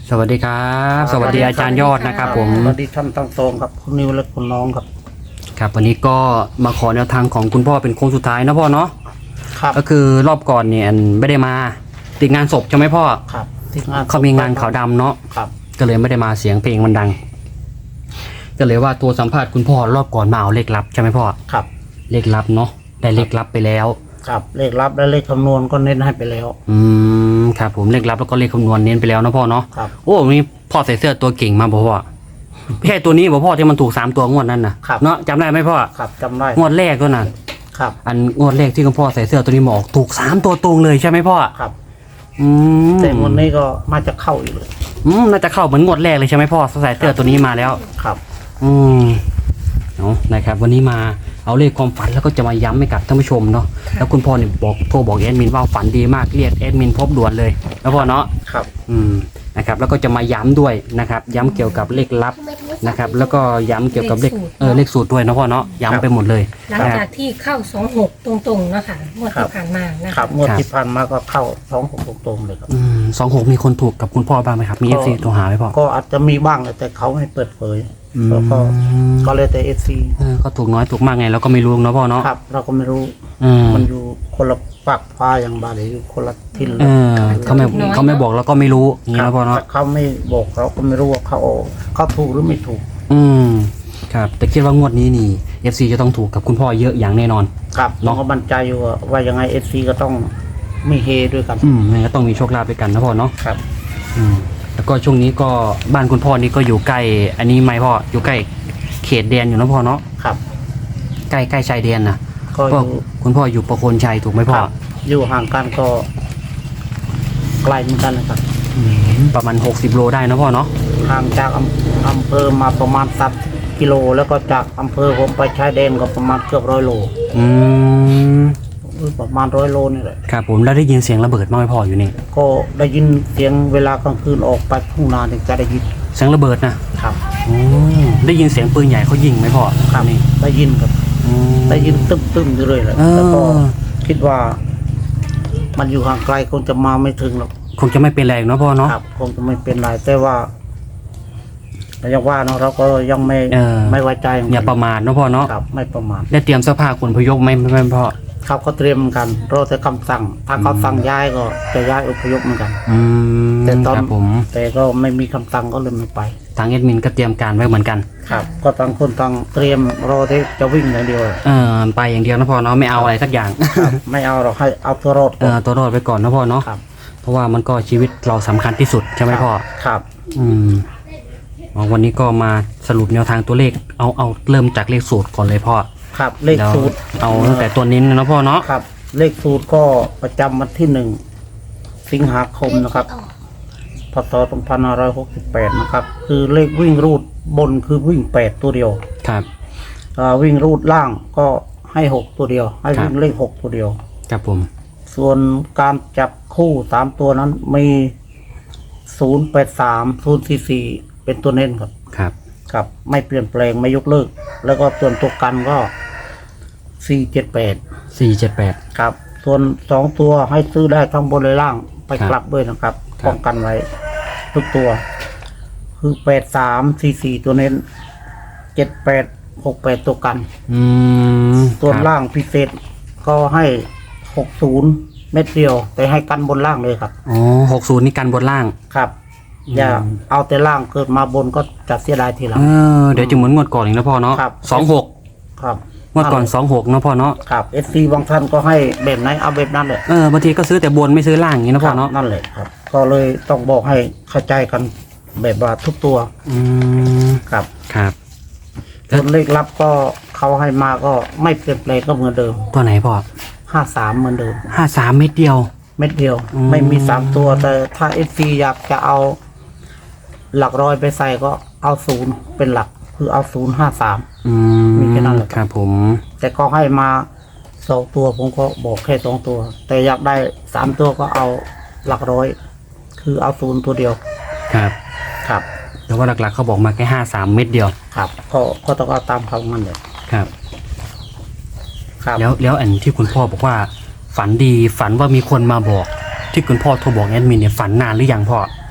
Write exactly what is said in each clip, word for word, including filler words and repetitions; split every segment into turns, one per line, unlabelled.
สวัสดีครับสวัสดีอาจารย์ยอดนะครับผม
สวัสดีท่านทั้งสองครับคุณนิวและคุณน้องครับ
ครับวันนี้ก็มาขอแนวทางของคุณพ่อเป็นโค้งสุดท้ายนะพ่อเนาะ
ครับ
ก็คือรอบก่อนเนี่ยไม่ได้มาติดงานศพใช่ไหมพ่อ
ครับติดงาน
เขามีงานขาวดำเนาะ
ครับ
ก็เลยไม่ได้มาเสียงเพลงมันดังก็เลยว่าตัวสัมภาษณ์คุณพ่อรอบก่อนมาเอาเลขลับใช่ไหมพ่อ
ครับ
เลขลับเนาะได้เลขลับไปแล้ว
ครับเลขลับและเลขคำนวณก็เน้นให้ไปแล้ว
อืมครับผมเลขลับแล้วก็เลขคำนวณเน้นไปแล้วนะพ่อเนาะ
ครับ
โอ้มีพ่อใส่เสื้อตัวเก่งมาบอกพ่อแค่ตัวนี้บอกพ่อที่มันถูกสามตัวงวดนั้นนะเนาะจำได้ไหมพ่อ
ครับจำได้
งวดแรกก็น่ะ
ครับ
อันงวดแรกที่คุณพ่อใส่เสื้อตัวนี้หมอกถูกสามตัวตรงเลยใช่ไหมพ่อ
ครับ
อืม
แต่งวดนี้ก็มาจะเข้าอีกเลย
อืมน่าจะเข้าเหมือนงวดแรกเลยใช่ไหมพ่อใส่เสื้อตัวนี้มาแล้ว
ครับ
อืมเอานะครับวันนี้มาเอาเลขความฝันแล้วก็จะมาย้ำให้กับท่านผู้ชมเนาะแล้วคุณพ่อเนี่ยบอกโทรบอกแอดมินว่าฝันดีมากเรียกแอดมินพบด่วนเลยแล้วพ่อเนาะ
ครับ
อืมนะครับแล้วก็จะมาย้ำด้วยนะครับย้ำเกี่ยวกับเลขลับนะครับแล้วก็ย้ำเกี่ยวกับเลขเออเลขสูตรด้วยนะพ่อเนาะย้ำไปหมดเลย
หลังจากที่เข้าสองหกตรงๆนะคะงวดที่ผ่านมานะ
ครับงวดที่ผ่านมาก็เข้าสองหกตรงๆเลยครับ
อืมสองหกมีคนถูกกับคุณพ่อบ้างไหมครับมีเอฟซีโทรหาไหมพ่อ
ก็อาจจะมีบ้างแต่เขาไม่เปิดเผยแล้วก็ก็เลยแต่เอฟซี
ก็ถูกน้อยถูกมากไงเราก็ไม่รู้เนาะพ่อเนาะ
ครับเราก็ไม่รู้มันอยู่คนละปากฟ้าอย่างบาลีอยู่คนละทิศเลย
เขาไม่เขาไม่บอกเราก็ไม่รู้อย่างนี้นะพ่อเนาะ
เขาไม่บอกเราก็ไม่รู้ว่าเขาเขาถูกหรือไม่ถูก
อืมครับแต่คิดว่างวดนี้นี่เอฟซีจะต้องถูกกับคุณพ่อเยอะอย่างแน่นอน
ครับน้องก็มั่นใจอยู่ว่ายังไงเอฟซีก็ต้องมีเฮด้วยกัน
อืมก็ต้องมีโชคลาภด้วยกันนะพ่อเนาะ
ครับ
อืมแล้วก็ช่วงนี้ก็บ้านคุณพ่อนี่ก็อยู่ใกล้อันนี้ไหมพ่ออยู่ใกล้เขตแดนอยู่นะพ่อเนาะ
ครับ
ใกล้ใกล้ชายแดนนะ
ก็
คุณพ่ออยู่ประโคนชัยถูกไหมพ่อ
อยู่ห่างกันก็ไกลเหมือนกันนะครับ
ประมาณหกสิบโลได้นะพ่อเนาะ
ห่างจากอำเภอมาประมาณสักกิโลแล้วก็จากอำเภอผมไปชายแดนก็ประมาณเกือบร้อยโล
อืม
ประมาณร้อยโลนี่แหละ
ครับผมแล้วได้ยินเสียงระเบิดบ้างไหมพ่ออยู่นี่
ก็ได้ยินเสียงเวลากลางคืนออกไปทุ่งนาถึงจะได้ยิน
เสียงระเบิดนะครับโอ้ได้ยินเสียงปืนใหญ่เขายิงไหมพ่อ
ครับนี่ได้ยินครับได้ยินตึ้มตึ้มอยู่เลยแหละแล้วก็คิดว่ามันอยู่ห่างไกลคงจะมาไม่ถึงหรอก
คงจะไม่เป็นไรเนาะพ่อเนาะ
ครับคงจะไม่เป็นไรแต่ว่าอย่างว่าเนาะเราก็ยังไม่ไม่ไว้ใจ
อย่าประมาทเนาะพ่อเนาะ
ครับไม่ประมาท
ได้เตรียมเสื้อผ้าขนพยพไหมไม่พ่อ
ครับเขาเตรียมกันรอแต่คำสั่งถ้าเขาสั่งย้ายก็จะย้ายอพยพเหมือนกันแต่ตอน
ผม
แต่ก็ไม่มีคำสั่งก็เลยไม่ไป
ทางเอดมินก็เตรียมการไว้เหมือนกัน
ครับก็ต่างคนต่างเตรียมรอที่จะวิ่งอย่างเดียว
เออไปอย่างเดียวนะพ่อเนาะไม่เอาอะไรสักอย่าง
ไม่เอาหรอกให้เอาตัวรอด
เออตัวรอดไปก่อนนะพ่อเนาะเพราะว่ามันก็ชีวิตเราสำคัญที่สุดใช่ไหมพ่อ
ครับ
อืมวันนี้ก็มาสรุปแนวทางตัวเลขเอาเอาเริ่มจากเลขสูตรก่อนเลยพ่อ
ครับเลขสูตร
เอาตั้งแต่ตัวนี้นะพ่อเนาะ
ครับเลขสูตรก็ประจำวันที่หนึ่งสิงหาคมนะครับพศสองพันห้าร้อยหกสิบแปดนะครับคือเลขวิ่งรูดบนคือวิ่งแปดตัวเดียว
ครับ
วิ่งรูดล่างก็ให้หกตัวเดียวให้วิ่งเลขหกตัวเดียว
ครับผม
ส่วนการจับคู่สามตัวนั้นมีศูนย์แปดสามศูนย์สี่สี่เป็นตัวเน้นครับ
ครับ
ครับไม่เปลี่ยนแปลงไม่ยกเลิกแล้วก็ส่วนตัวกันก็สี่เจ็ดแปด
สี่เจ็ดแปด
ครับส่วนสองตัวให้ซื้อได้ทั้งบนและล่างไปกลับด้วยนะครับป้องกันไว้ทุกตัวคือแปดสามสี่สี่ตัวเน้นเจ็ดแปดหกแปดตัวกัน
อืม
ส่วนล่างพิเศษก็ให้หกศูนย์เม็ดเดียวแต่ให้กันบนล่างเลยครับ
อ๋อหกศูนย์นี่กันบนล่าง
ครับอย่าเอาแต่ล่างเกิดมาบนก็จะเสียดายทีหลัง
เออเดี๋ยวจะเหมือนงวดก่อนอีกนะพ่อเนาะสองหก
ครับ
งวดก่อนสองหกนะพ่อเนาะ
ครับเอฟซีบางท่านก็ให้แบบไหนเอาแบบนั้นเลย
เออบางทีก็ซื้อแต่บนไม่ซื้อล่างอย่างนี้นะพ่อเนาะ
นั่นเลยครับก็เลยต้องบอกให้เข้าใจกันแบบว่าทุกตัว
อืม
ครับ
ครับ
ส่วนเลขลับก็เขาให้มาก็ไม่เปลี่ยนแปลงก็เหมือนเดิม
ตัวไหนพ่อ
ห้าสามเหมือนเดิม
ห้าสามเม็ดเดียว
เม็ดเดียวไม่มีสามตัวแต่ถ้าเอฟซีอยากจะเอาหลักร้อยไปใส่ก็เอาศูนย์เป็นหลักคือเอาศูนย์ห้าสามมีแค่นั้นแหละ
ครับผม
แต่ก็ให้มาสองตัวผมก็บอกแค่สองตัวแต่อยากได้สามตัวก็เอาหลักร้อยคือเอาศูนย์ตัวเดียว
ครับ
ครับ
แต่ว่าหลักๆเขาบอกมาแค่ห้าสามเม็ดเดียว
ครับก็ก็ต้องเอาตามเขางั้นเลย
ครับครับแล้วแล้วอันที่คุณพ่อบอกว่าฝันดีฝันว่ามีคนมาบอกที่คุณพ่อโทรบอกแอดมินเนี่ยฝันนานหรือยังพ่อ
ครับป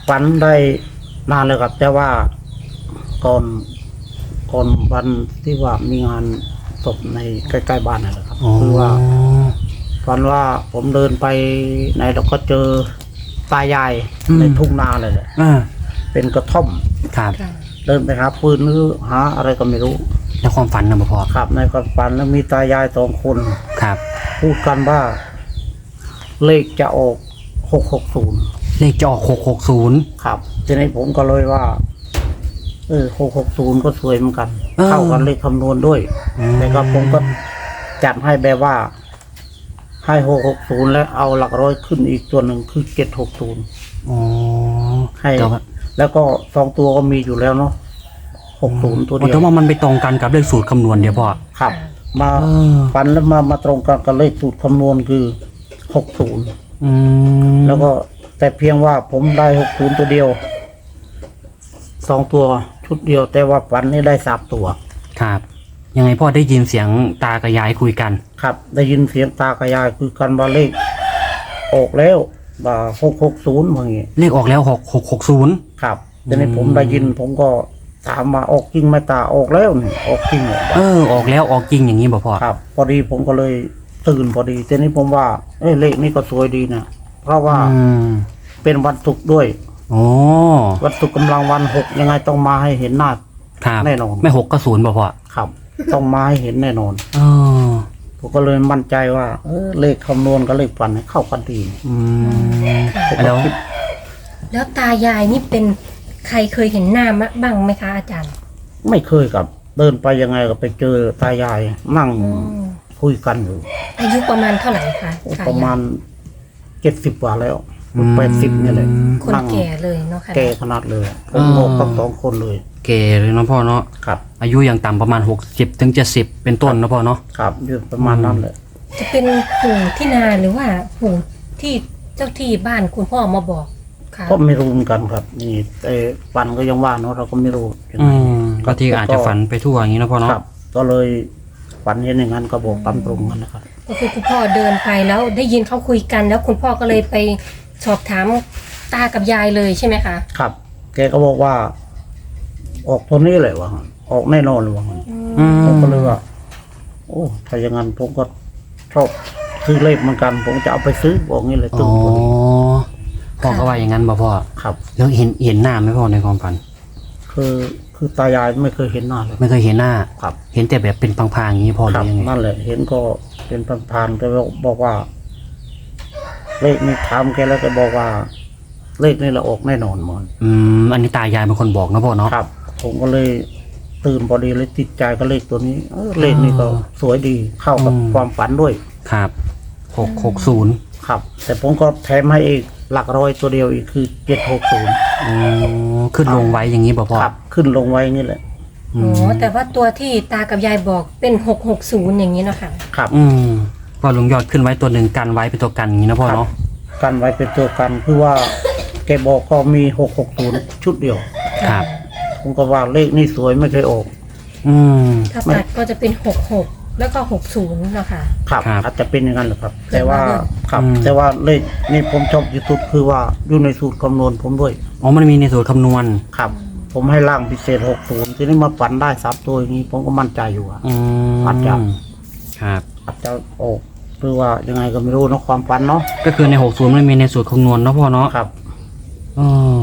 ฝันได้นานเลยครับ แต่ว่าก่อนก่อนวันที่ว่ามีงานศพในใกล้ๆบ้านนั่นแหละครับ
อ๋อ
คือว่าฝันว่าผมเดินไปไหนเราก็เจอตายายในทุ่งนาเลยแหละ
อ่า
เป็นกระท่อม
ครับ
ค่ะ
เดินไปหาปืนหรือหาอะไรก็ไม่รู้
แล้วความฝันนะบ่พ่อ
ครับในความฝันแล้วมีตายายสองคน
ครับ
พูดกันว่า เลขจะออกหกหกศูนย์
เลขจะออกหกหกศูนย์
ครับทีนี้ผมก็เลยว่า เออหกหกศูนย์ก็สวยเหมือนกัน
เออ
เข้ากันเลขคำนวณด้วย
อืม
แต่ก็ผมก็จัดให้แบบว่า ให้หกหกศูนย์แล้วเอาหลักร้อยขึ้นอีกตัวหนึ่งคือเจ็ดหกศูนย์
อ๋อ
ให้
แต่ว่า
แล้วก็สองตัวก็มีอยู่แล้วเนาะหกศูนย์ตัวเดีย
แต่
ว
ว่ามันไปตรงกันกับเลขสูตรคำนวณเดี๋ยวพ่อ
ครับ มา
เออ
ฟันแล้วมามาตรงกันกับเลขสูตรคำนวณคือหกศูนย์
อืม
แล้วก็แต่เพียงว่าผมได้หกศูนย์ตัวเดียวสองตัวชุดเดียว แต่ว่าฟันนี่ได้สามตัว
ครับ ยังไงพ่อได้ยินเสียงตากับยายคุยกัน
ครับ ได้ยินเสียงตากระยายคือกันว่าเลขออกแล้วว่าหกหกศูนย์อย่างงี้
เลขออกแล้วหกหกหกศูนย์
ครับแต่ใน
อืม
ผมได้ยิน ผมก็ถามมาออกจริงไหมตาออกแล้วนี่ออกจริงเหรอ
เออ ออกแล้วออกจริงอย่างนี้บ่พ่อ
ครับ พอดีผมก็เลยตื่นพอดีแต่นี้ผมว่า เอ้ยเลขนี้ก็สวยดีนะเพราะว่า
อืม
เป็นวันศุกร์ด้วย
โอ้
วันศุกร์กำลังวันหกยังไงต้องมาให้เห็นหน้า
ครับ
แน่นอน
ไม่หกก็ศูนย์บ่พ่อ
ครับ ต้องมาให้เห็นแน่นอน
เออ
ผมก็เลยมั่นใจว่า เออเลขคำนวณกับเลขฝันเข้ากันดี
อืม
ผมก็
แล้ว
คิด
แล้วตายายนี่เป็นใครเคยเห็นหน้ามะบ้างไหมคะอาจารย์
ไม่เคยกับ เดินไปยังไงก็ไปเจอตายายนั่ง
อืม
คุยกันอยู่
อายุประมาณเท่าไหร่คะตยย
ประมาณเจ็ดสิบกว่าแล้วแปดสิบเนี่ยเลย
คน
นั่ง
แก่เลยเนาะค่ะ
แก่ขนาดเลยผมงงทั้งสองคนเลย
เก๋เลยเนาะพ่อเนาะ
ครับ
อายุอย่างต่ำประมาณหกสิบถึงเจ็ดสิบเป็นต้นเนาะพ่อเนาะ
ครับอยู่ประมาณนั้นเลย
จะเป็นปู่ที่นาหรือว่าปู่ที่เจ้าที่บ้านคุณพ่อมาบอกค่ะ
ก็ไม่รู้เหมือนกันครับ นี่ไอ้ฝันก็ยังว่าเนาะเราก็ไม่รู้ยัง
อื
ไง
มก็ที่อาจจะฝันไปทั่วอย่างนี้เนาะพ่อเนาะ
ครับ ก็เลยฝันเห็นอย่างนั้นก็บอกตามตรงกันนะครับ
ก็คือคุณพ่อเดินไปแล้วได้ยินเขาคุยกัน แล้วคุณพ่อก็เลยไปสอบถามตากับยายเลยใช่ไหมคะ
ครับ แกก็บอกว่า ออกตัวนี้เลยวะออกแน่นอนเลยวะ
อืม
ผมก็เลยว่า โอ้ถ้าอย่างนั้นผมก็ชอบซื้อเลขเหมือนกัน ผมจะเอาไปซื้อบอกงี้เลย
อ๋
ตึ้
อง
ตัวนี้
พ่อก็ว่าอย่างนั้นบ่พ่อ
ครับ
แล้วเห็นเห็นหน้าไหมพ่อในความฝัน
คือคือตายายไม่เคยเห็นหน้าเลย
ไม่เคยเห็นหน้า
ครับ
เห็นแต่แบบเป็นพางๆอย่างนี้พ่อห
ค
รื
รับ
อยังไง
นั่นแหละ เห็นก็เป็นพันๆแต่บอกว่า เลขนี้ถามแกแล้วแกบอกว่า เลขนี้เราออกแน่นอนมัน
อืมอันนี้ตายายเป็นคนบอกนะพ่อเนาะ
ครับ ผมก็เลยตื่นพอดีเลยติดใจกับเลขตัวนี้เออเลขนี้ก็สวยดีเข้ากับ
อืม
ความฝันด้วย
ครับหกหกศูนย์
ครับ แต่ผมก็แถมให้อีกหลักร้อยตัวเดียวอีกคือเจ็ดหกศูนย์
อ๋อขึ้นลงไว้อย่างนี้บ่พ่อ
ครับ ขึ้นลงไว้อย่างนี้แหละ
อื
อ๋
ม
อแต่ว่าตัวที่ตากับยายบอกเป็นหกหกศูนย์อย่างนี้เนาะค่ะ
ครับ
อืมพ่อลุงยอดขึ้นไว้ตัวหนึ่งกันไว้เป็นตัวกันอย่างนี้นะพ่อเนาะ
กันไว้เป็นตัวกันคือว่า แกบอกก็มีหกหกศูนย์ชุดเดียว
ครับ
ผมก็ว่าเลขนี้สวยไม่เคยออก
อืม
ถ้าตัดก็จะเป็นหกหกแล้วก็หกศูนย์เนาะค่ะ
ครับ
ครับ
อาจจะเป็นอย่างนั้นแหละครับ แต่ว่า
เกิดมาด้วย
ครับ
อืม
แต่ว่าเลขนี่ผมชอบที่สุดคือว่าอยู่ในสูตรคำนวณผมด้วย
อ๋อมันมีในสูตรคำนวณ
ครับ ผมให้ล่างพิเศษหกศูนย์ทีนี้มาฝันได้สามตัวอย่างนี้ ผมก็มั่นใจอยู่ว่า
อืม
อาจจะ
ครับ
อาจจะออกหรือว่ายังไงก็ไม่รู้เนอะความฝันเนาะ
ก็คือในหกศูนย์มันมีในสูตรคำนวณเนาะพ่อเนาะ
ครับ
อ๋อ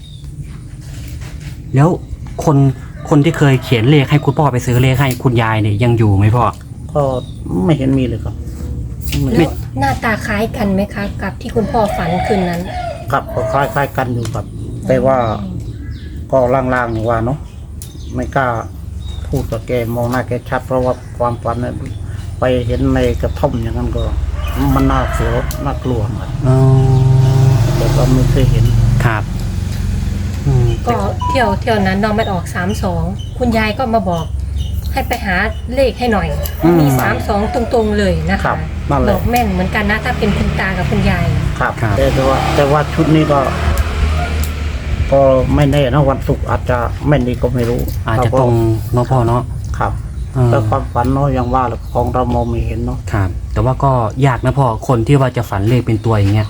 แล้วคนคนที่เคยเขียนเลขให้คุณพ่อไปซื้อเลขให้คุณยายเนี่ยยังอยู่ไหมพ่อ
ก็ไม่เห็นมีเลยครับไม่
แล้วหน้าตาคล้ายกันไหมคะ กับที่คุณพ่อฝันคืนนั้น
ครับก็คล้ายๆกันอยู่ครับ แต่ว่าก็ล่างๆนี่ว่าเนาะไม่กล้าพูดกับแกมองหน้าแกชัด เพราะว่าความฝันเนี่ยไปเห็นในกระท่อมอย่างนั้นก็ มันน่าเสียวน่ากลัวเหมือนกัน
อ๋อ
แต่ก็ไม่เคยเห็น
ครับอืม
ก็เที่ยวเที่ยวนั้นน้องมันออกสามสองคุณยายก็มาบอก ให้ไปหาเลขให้หน่อย มีสามสองตรงๆเลยนะ
ครั
คะ
บนั่นแห
บ
ละ
อกแม่นเหมือนกันนะ ถ้าเป็นคุณตากับคุณยาย
ครับ แต่แต่ว่า แต่ว่าชุดนี้ก็ ก็ไม่แน่นะวันศุกร์อาจจะแม่นดีก็ไม่รู้
อาจจะตรงเนาะพ่อเนาะ
ครับ
เออ
แต่ความฝันเนาะอย่างว่าแหละของเรามองไม่เห็นเนาะ
ครับ แต่ว่าก็ยากนะพ่อคนที่ว่าจะฝันเลขเป็นตัวอย่างเงี้ย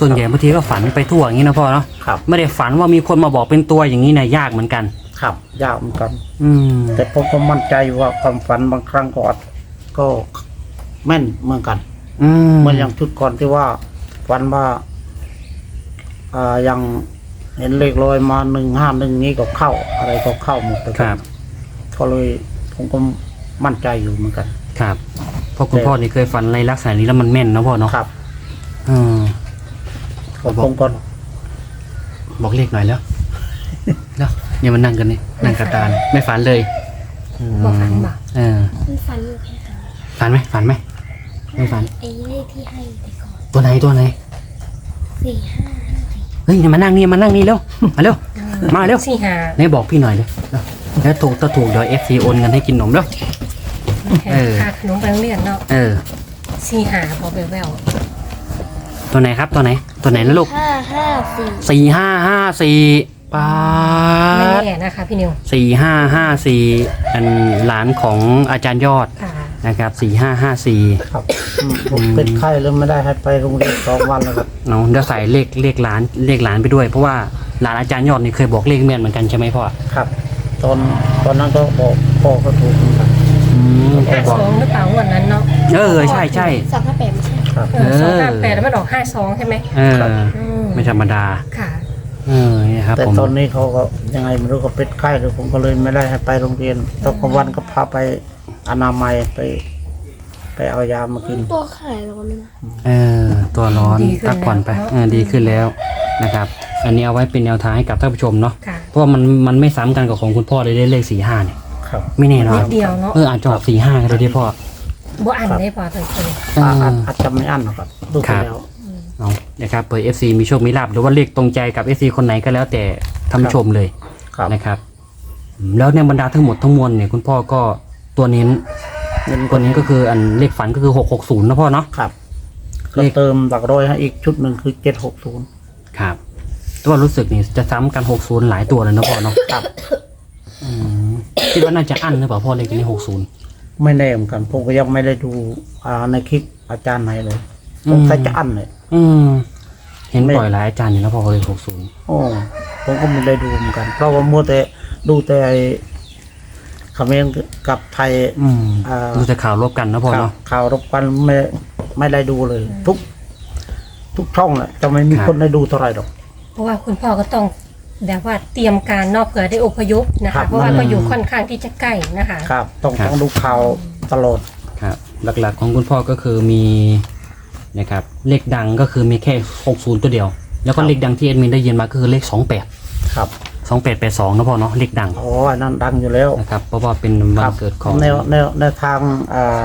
ส่วนใหญ่บางทีก็ฝันไปทั่วอย่างนี้นะพ่อเนาะ
ครับ
ไม่ได้ฝันว่ามีคนมาบอกเป็นตัวอย่างนี้นะยากเหมือนกัน
ครับยากเหมือนกัน
อืม
แต่ผมก็มั่นใจว่าความฝันบางครั้งก็อาจก็แม่นเหมือนกัน
อืม
เหมือนอย่างชุดก่อนที่ว่าฝันว่าอ่ายังเห็นเลขลอยมาหนึ่งห้าหนึ่งนี้ก็เข้า อะไรก็เข้าหมดเลย
ครับ
ก็เลยผมก็มั่นใจอยู่เหมือนกัน
ครับเพราะคุณพ่อนี่เคยฝันในลักษณะนี้แล้วมันแม่นนะพ่อเนาะ
ครับ
อืม
ผมก็
บอกเลขหน่อยแล้ว แล้วเนี่ยมันนั่งกันนี่นั่งกระตานไม่ฝันเลย
บ่ฝันบ่
เออ
มันฟันอยู่แค่ครั้ง
ฝันไหมฝันไหมไม่ฝัน
ไอ้เลขที่ให้ไปก่อน
ตัวไหนตัวไหน
สี่ห้าห้าสี่
เฮ้ยมานั่งนี่มานั่งนี่เร็วมาเร็วมาเร็ว
สี่หา
ไหนบอกพี่หน่อยเลยแล้วถูกถ้าถูกเดี๋ยวเอฟซีโอนเงินให้กินนมเร็ว เออ
ค่าขนมไปโรงเรียนเนาะ
เออ
สี่หาพอแวว
ตัวไหนครับตัวไหน ตัวไหนนะลูก
ห้าห้าสี่
สี่ห้าห้าสี่ปา
ๆไม่
ด
แน่นะคะพี่นิว
สี่ห้าห้าสี่อันหลานของอาจารย์ยอด
ค่ะ
นะครับสี่ห้าห้าสี่
ครับอืมผมเป็นไข้แล้วไม่ได้ให้ไปโรงเรียนสองวันแล้วครับ
เนาะเดี๋ยวใส่เลขเลขหลานเลขหลานไปด้วยเพราะว่าหลานอาจารย์ยอดนี่เคยบอกเลขแม่นเหมือนกันใช่ไหมพ่อ
ครับ ตอนตอนนั้นก็บอกพ่อก็ถูกเหมือนกัน
อืมเค
ห้าย
บอก
สองหรือเปล่าวันนั้นเนาะ
เออใช่ใช่
สองห้าแปดไม่ใช่
ครับ
เออสองห้าแปดแล้วมันออกห้าสองใช่ไหม
เออ
อืม
ไม่ธรรมดา
ค่ะ
เออเนี่ยครับ
แต่
ผม
ตอนนี้เขาก็ยังไงไม่รู้ก็เป็นไข้เลยผมก็เลยไม่ได้ให้ไปโรงเรียนตอนกลางวันก็พาไปอนามัยไป ไปเอายามากิน
ตัวขายร้อนเลยนะ
เออตัวร้อน
ดีขึ้น
พักผ่อนไป
แล้ว
เออดีขึ้นแล้วนะครับ อันนี้เอาไว้เป็นแนวทางให้กับท่านผู้ชมเนาะ
ค่ะ
เพราะว่ามันมันไม่ซ้ำกันกับของคุณพ่อเลยได้เลขสี่ห้าเนี่ย
ครับ
ไม่แน่นอ
นิ
น
ดเดียวเนาะ
เอออาจจะออกสี่ห้าก็ได้ที่พ่อ
บ่อันได้พอตัวเลย
เอ
อาอาจ
อ
อาจจะไม่อั้นหรอกครับดูไปแล้ว
เอานะครับเผื่อ เอฟ ซี มีโชคมีลาบหรือว่าเลขตรงใจกับ เอฟ ซี คนไหนก็แล้วแต่ท่านผู้ชมเลย
ครับ
นะครับอืมแล้วในบรรดาทั้งหมดทั้งมวลเนี่ยคุณพ่อก็ตัวเน้น
เงิน
ตัวนี้ก็คืออันเลขฝันก็คือหกหกศูนย์นะพ่อเนาะ
ครับ
เล
ก็
ข
เติมหลักร้อยให้อีกชุดหนึ่งคือเจ็ดหกศูนย์
ครับตัวรู้สึกนี่จะซ้ำกันหกศูนย์หลายตัวเลยนะพ่อเนาะ
ครับ
อืมคิดว่าน่าจะอั้นหรือเปล่าพ่อเลขนี้หกศูนย์
ไม่แน่เหมือนกันผมก็ยังไม่ได้ดูอ่าในคลิปอาจารย์ไหนเลย
อื
ผม มใส่จะอั้นเลย
อืมเห็นปล่อยหลายอาจารย์อยู่นะพ่อเลยหกศูนย์
โอ้ผมก็ไม่ได้ดูเหมือนกัน เพราะว่ามัวแต่ดูแต่ไอ้เขมรกับไทย
อืม
อ่า
ดูแต่ข่าวรบกันนะพ่อ
ข่าว
เนาะ
ข่าวรบกันไม่ไม่ได้ดูเลย ทุก ทุกช่องแหละจะไม่มี
ครับ
คนได้ดูเท่าไหร่หรอก
เพราะว่าคุณพ่อก็ต้องแบบว่าเตรียมการเนอกเผื่อได้อพยพนะ
ครั
คะ
บ
เพราะว่าก็อยู่ค่อนข้างที่จะใกล้นะคะ
ครับ ต้อง
ครับ
ต้องดูข่าวตลอด
ครับ หลักๆของคุณพ่อก็คือมีนะครับเลขดังก็คือมีแค่หกศูนย์ตัวเดียว แล้วก็
ครับ
เลขดังที่เอ็ดมินได้ยินมาก็คือเลขสองแปด
ครับ
สองแปดแปดสองนะพ่อเนาะเลขดัง
อ๋ออันนั้นดังอยู่แล้ว
นะครับเพราะว่าเป็นวั
คน รับ
เกิดของ
แนวแนวแนวทางอ่า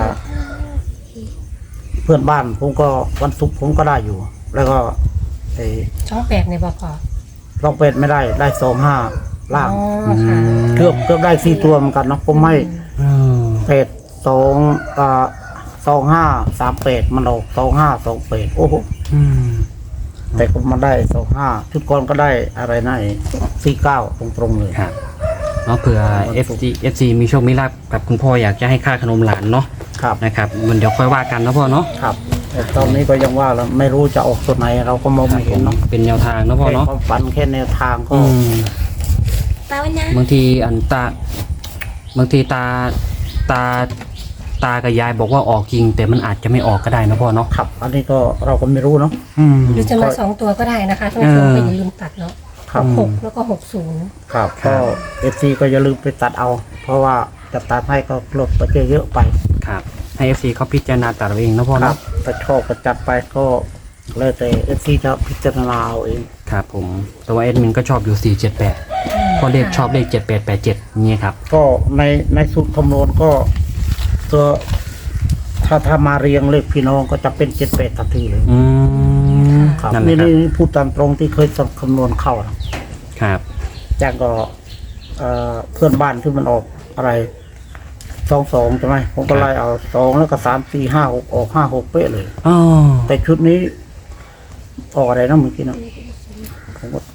เพื่อนบ้านผมก็วันศุกร์ผมก็ได้อยู่ แล้วก็ไอ้
ช่องแปดในบพอ
ลองเป็ดไม่ได้ได้สองห้าล่าง
อ๋อค่ะ
เกือบเกือบได้สี่ตัวเหมือนกันเนาะผมให้
อืม
เป็ดสองอ่าสองห้าสามเป็ดมันออกสองห้าสองเป็ดโอ้โห
อืม
แต่ก็มาได้สองห้าชุดก่อนก็ได้อะไรนะสี่เก้าตรงๆเลย
ครับเนาะเผื่อ เอฟ ซี เอฟ ซี มีโชคมีลาบกับคุณพ่ออยากจะให้ค่าขนมหลานเนาะ
ครับ
นะครับมันเดี๋ยวค่อยว่ากันนะพ่อเนาะ
ครับแต่ตอนนี้ก็ยังว่าแล้วไม่รู้จะออกตัวไหน เราก็มองไม่เห็นเนาะ
เป็นแนวทางนะพ่อ
แค่
เนาะ
ความฝันแค่แนวทางก็
อืม
แปลว่านะ
บางทีอันตาบางทีตาตาตากับยายบอกว่าออกจริง แต่มันอาจจะไม่ออกก็ได้นะพ่อเนาะ
ครับ อันนี้ก็เราก็ไม่รู้เนาะ
อืม
หรือจะมาสองตัวก็ได้นะคะท่านผู้ชม
เออ
ก็อย่าลืมตัดเนาะ
ครับ
หกแล้วก็หกศูนย์
ครับ
ครั
ก็
บ
เอฟซีก็อย่าลืมไปตัดเอา เพราะว่าจะตัดให้ก็ลดไปเยอะๆไป
ครับให้ เอฟ ซี เขาพิจารณาตัดเอาเองนะพ่อ
ครั
เนาะ
บแต่ชอบก็จัดไปก็แล้วแต่เอฟซีจะพิจารณาเอาเอง
ครับผมแต่ว่าเอ็ดมินก็ชอบอยู่สี่เจ็ดแปดพอเลขชอบเลขเจ็ดแปดแปดเจ็ดนี่ครับ
ก็ในในสูตรคำนวณก็ตัวถ้าถ้ามาเรียงเลขพี่น้องก็จะเป็นเจ็ดแปดทันทีเลย
อืม
ครับ
นั่นแหละ
นี่
ครับ
นี่พูดตามตรงที่เคยคำนวณเข้านะครับ จากก็เอ่อเพื่อนบ้านที่มันออกอะไรสองสองใช่ไหมผมก็ไล่เอาสองแล้วก็สามสี่ห้าหกออกห้าหกเป๊ะเลย
อ๋อ
แต่ชุดนี้ออกอะไรนะเมื่อกี้นะผมก็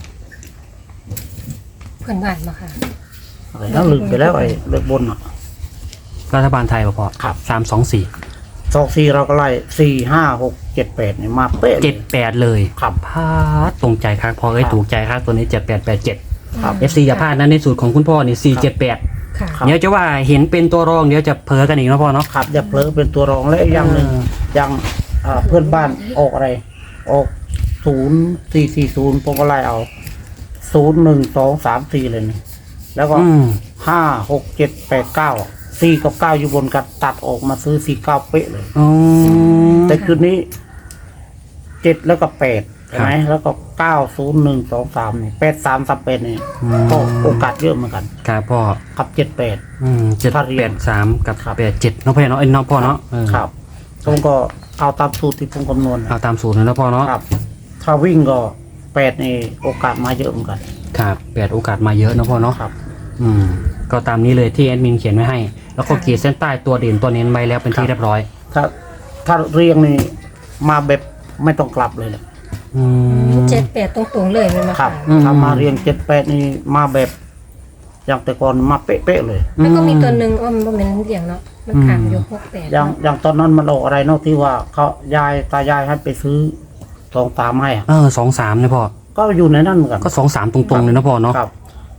เพื่อนบ้านมาค่ะ
อะไรนะลืมไปแล้วไอ้เลขบนอ่ะ
รัฐบาลไทยป่ะพ่อ
ครับ
สามสองสี่
สองสี่เราก็ไล่สี่ห้าหกเจ็ดแปดเนี่ยมาเป๊ะลย
เจ็ดแปดเลย
ครับ
พาดตรงใจครับพอเอ้ย
ครับ
ถูกใจครับตัวนี้เจ็ดแปดแปดเจ็ด
ครับ
เอฟซีอย่าพลาดนะในสูตรของคุณพ่อนี่สี่เจ็ดแปด
ค่ะ
ครับ
เดี๋ยวจะว่าเห็นเป็นตัวรองเดี๋ยวจะเพ้อกันอีกนะพ่อเนาะ
ครับอย่าเผลอเป็นตัวรองและอีกอย่างหนึ่ง
เออ
อย่างอ่าเพื่อนบ้านออกอะไร ออกศูนย์สี่สี่ศูนย์ผมก็ไล่เอาศูนย์หนึ่งสองสามสี่เลยนี่แล้วก็
อืม
ห้าหกเจ็ดแปดเก้าสี่กับเก้าอยู่บนกันตัดออกมาซื้อสี่เก้าเป๊ะเลย
อ๋อ
แต่คืนนี้เจ็ดแล้วก็แปดใช่ไหม
ครับ
แล้วก็เก้าศูนย์หนึ่งสองสามนี่แปดสามสามแปดนี่
อืม
ก็โอกาสเยอะเหมือนกัน
ครับพ่อ
กับเจ็ดแปด
อืมเจ็ด
ถ้าเรี
แป
ยน
ดสามกับ
ครับ
แปดเจ็ดเนาะพ่อเนาะเอ้ยเนาะพ่อเนาะเออ
ครับผมก็เอาตามสูตรที่ผมคำนวณ
เอาตามสูตรเลยนะพ่อเนาะ
ครับ ถ้าวิ่งก็แปดนี่โอกาสมาเยอะเหมือนกัน
ครับแปดโอกาสมาเยอะนะพ่อเนาะ
ครับ
อืมก็ตามนี้เลยที่แอดมินเขียนไว้ให้ แล้วก็ขีดเส้นใต้ตัวเด่นตัวเน้นไว้แล้วเป็นที่เรียบร้อย
ถ้าถ้าเรียงนี่มาแบบไม่ต้องกลับเลยแหละ
อืม
เจ็ดแปดตรงๆเลยมันมา
ครับ
อืม
ถ้ามาเรียงเจ็ดแปดนี่มาแบบอย่างแต่ก่อนมาเป๊ะๆเลย
แล้วก็มีตัวหนึ่งว่ามันเป็นเสียงเนาะมันขามอยู่หกแปด
อย่างอย่างตอนนั้นมันออกอะไรเนาะที่ว่าเขายายตายายให้ไปซื้อสองสามให้อะ
เออสองสามเนี่ยพ่อ
ก็อยู่ในนั้นเหมือนกัน
ก็สองสามตรงๆเลยนะพ่อเนาะ
ครับ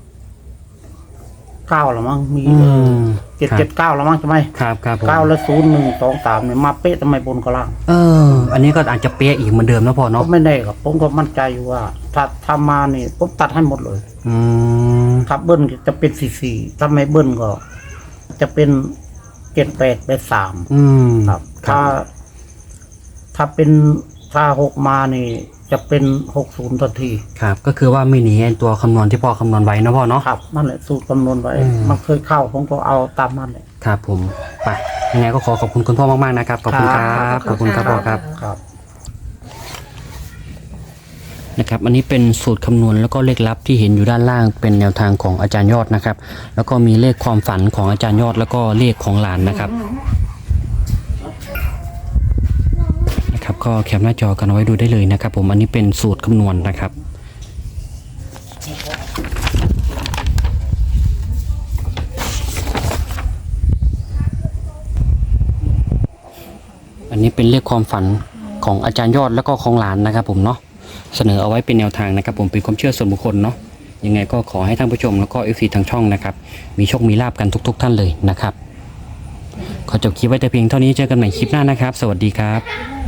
เก้าละมั้งมี
อืม
เจ็ดเจ็ดเก้าละมั้งใช่ไหม
ครับครับผม
เก้าและศูนย์หนึ่งสองสามเนี่ยมาเป๊ะทำไมบนกับล่าง
เออ อันนี้ก็อาจจะเป๊ะอีกเหมือนเดิมนะพ่อ
ก็
เนาะ
ไม่ได้ครับผมก็มั่นใจอยู่ว่า ถ้าทำมานี่ผมตัดให้หมดเลย
อืม
ถ้าเบิ้ลจะเป็นสี่สี่ถ้าไม่เบิ้ลก็ จะเป็นเจ็ดแปดแปดสาม
อืม
ครับ
ครั
ถ้า
บ
ถ้าเป็นถ้าหกมานี่ จะเป็นหกศูนย์ทันที
ครับ ก็คือว่าไม่หนีไอ้ตัวคำนวณที่พ่อคำนวณไว้นะพ่อเนาะ
ครับนั่นแหละสูตรคำนวณไว้
อืม
มันเคยเข้าผมก็เอาตามนั้นเลย
ครับผมไปยังไงก็ขอขอบคุณคุณพ่อมากๆนะครับขอบคุณครับขอบคุณครับพ่อครับ
ครับ
นะครับอันนี้เป็นสูตรคำนวณแล้วก็เลขลับที่เห็นอยู่ด้านล่างเป็นแนวทางของอาจารย์ยอดนะครับ แล้วก็มีเลขความฝันของอาจารย์ยอดแล้วก็เลขของหลานนะครับนะครับก็แคปหน้าจอกันเอาไว้ดูได้เลยนะครับ ผมอันนี้เป็นสูตรคำนวณนะครับอันนี้เป็นเลขความฝันของอาจารย์ยอดแล้วก็ของหลานนะครับ ผมเนาะเสนอเอาไว้เป็นแนวทางนะครับ ผมเป็นความเชื่อส่วนบุคคลเนาะยังไงก็ขอให้ท่านผู้ชมแล้วก็เอฟซีทางช่องนะครับมีโชคมีลาบกันทุก ๆ ท่านเลยนะครับขอจบคลิปไว้แต่เพียงเท่านี้เจอกันใหม่คลิปหน้านะครับ สวัสดีครับ